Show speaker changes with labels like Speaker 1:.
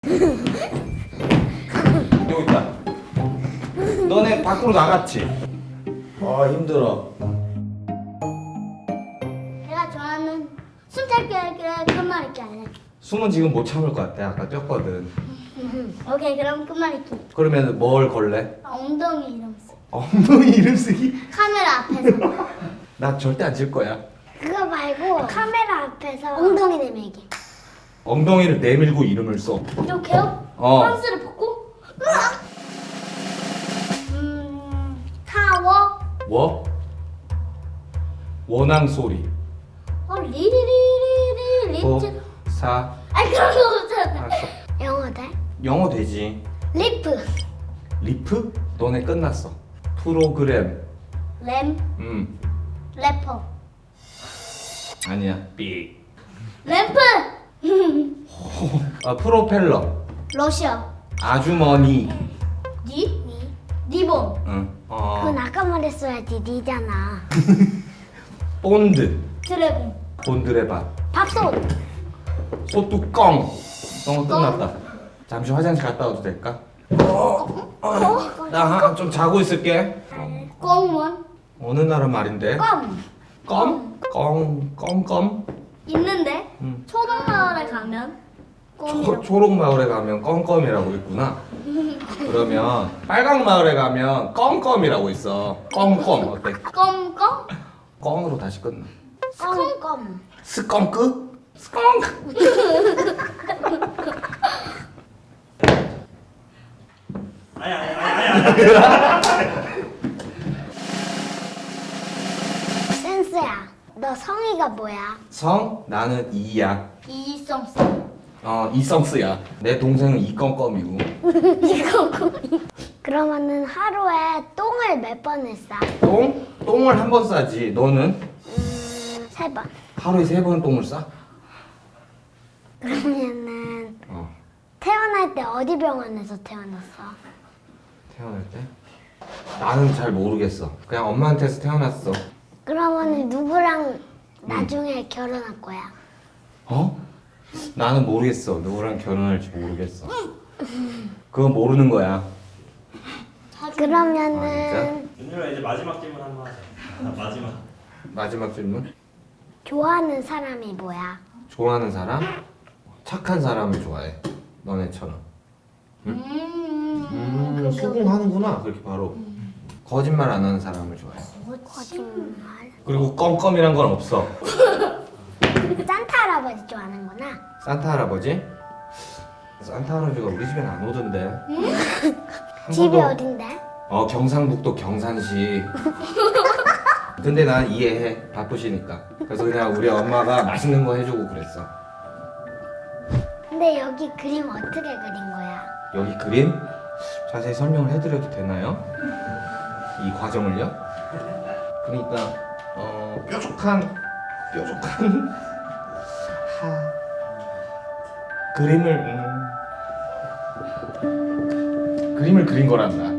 Speaker 1: 여기 있다. 너네 밖으로 나갔지? 아 힘들어.
Speaker 2: 내가 좋아하는 숨참기 끝말잇기 할래.
Speaker 1: 숨은 지금 못 참을 것 같아. 아까 뛰었거든.
Speaker 2: 오케이, 그럼 끝말잇기.
Speaker 1: 그러면 뭘 걸래?
Speaker 2: 엉덩이 이름 쓰.
Speaker 1: 엉덩이 이름 쓰기?
Speaker 2: 카메라 앞에서.
Speaker 1: 나 절대 안 질 거야.
Speaker 2: 그거 말고 카메라 앞에서 엉덩이 내밀기.
Speaker 1: 엉덩이를 내밀고 이름을 써.
Speaker 2: 이렇게요?
Speaker 1: 어.
Speaker 2: 펀스를 벗고. 타워.
Speaker 1: 워? 원앙 소리.
Speaker 2: 리리리리리
Speaker 1: 도,
Speaker 2: 리트.
Speaker 1: 사.
Speaker 2: 아니 그런 거 없잖아.
Speaker 1: 알았어.
Speaker 2: 영어 돼?
Speaker 1: 영어 되지.
Speaker 2: 리프.
Speaker 1: 리프? 너네 끝났어. 프로그램.
Speaker 2: 램. 래퍼.
Speaker 1: 아니야. 삑.
Speaker 2: 램프.
Speaker 1: 아 프로펠러.
Speaker 2: 러시아.
Speaker 1: 아주머니.
Speaker 2: 니? 니본.
Speaker 1: 응.
Speaker 2: 그건 아까 말했어야지. 니잖아.
Speaker 1: 본드.
Speaker 2: 드래곤.
Speaker 1: 본드레밥.
Speaker 2: 밥솥.
Speaker 1: 소뚜껑. 너무 끝났다. 잠시 화장실 갔다 와도 될까? 나 좀 자고 있을게.
Speaker 2: 꽁원.
Speaker 1: 어느 나라 말인데?
Speaker 2: 껌.
Speaker 1: 껌? 껌?
Speaker 2: 있는데
Speaker 1: 응.
Speaker 2: 초동마을에 가면 껌이라고.
Speaker 1: 초록 마을에 가면 껌껌이라고 있구나. 그러면 빨강 마을에 가면 껌껌이라고 있어. 껌껌 어때?
Speaker 2: 껌껌?
Speaker 1: 껌으로 다시 끝나.
Speaker 2: 껌껌.
Speaker 1: 스컹크? 스컹크?
Speaker 2: 센스야. 너 성의가 뭐야?
Speaker 1: 성? 나는 이야.
Speaker 2: 이성스.
Speaker 1: 이성스야. 내 동생은 이껌껌이고.
Speaker 2: 그러면은 하루에 똥을 몇 번을 싸?
Speaker 1: 똥? 똥을 한 번 싸지. 너는?
Speaker 2: 3번.
Speaker 1: 하루에 3번 똥을 싸?
Speaker 2: 그러면은
Speaker 1: 어.
Speaker 2: 태어날 때 어디 병원에서 태어났어?
Speaker 1: 태어날 때? 나는 잘 모르겠어. 그냥 엄마한테서 태어났어.
Speaker 2: 그러면은 누구랑 나중에 결혼할 거야?
Speaker 1: 어? 나는 모르겠어. 누구랑 결혼할지 모르겠어. 그건 모르는 거야.
Speaker 2: 그러면은
Speaker 3: 윤유라 이제 마지막 질문 한번 하자. 마지막.
Speaker 1: 마지막 질문.
Speaker 2: 좋아하는 사람이 뭐야?
Speaker 1: 좋아하는 사람? 착한 사람을 좋아해. 너네처럼. 수긍하는구나. 그렇게 바로. 거짓말 안 하는 사람을 좋아해.
Speaker 2: 거짓말.
Speaker 1: 그리고 껌껌이란 건 없어.
Speaker 2: 산타 할아버지 좋아하는구나.
Speaker 1: 산타 할아버지? 산타 할아버지가 우리 집엔 안 오던데. 한
Speaker 2: 집이
Speaker 1: 번도-
Speaker 2: 어딘데?
Speaker 1: 경상북도 경산시. 근데 난 이해해. 바쁘시니까. 그래서 그냥 우리 엄마가 맛있는 거 해주고 그랬어.
Speaker 2: 근데 여기 그림 어떻게 그린 거야?
Speaker 1: 여기 그림? 자세히 설명을 해드려도 되나요? 이 과정을요? 그러니까 뾰족한 그림을 그린 거란다.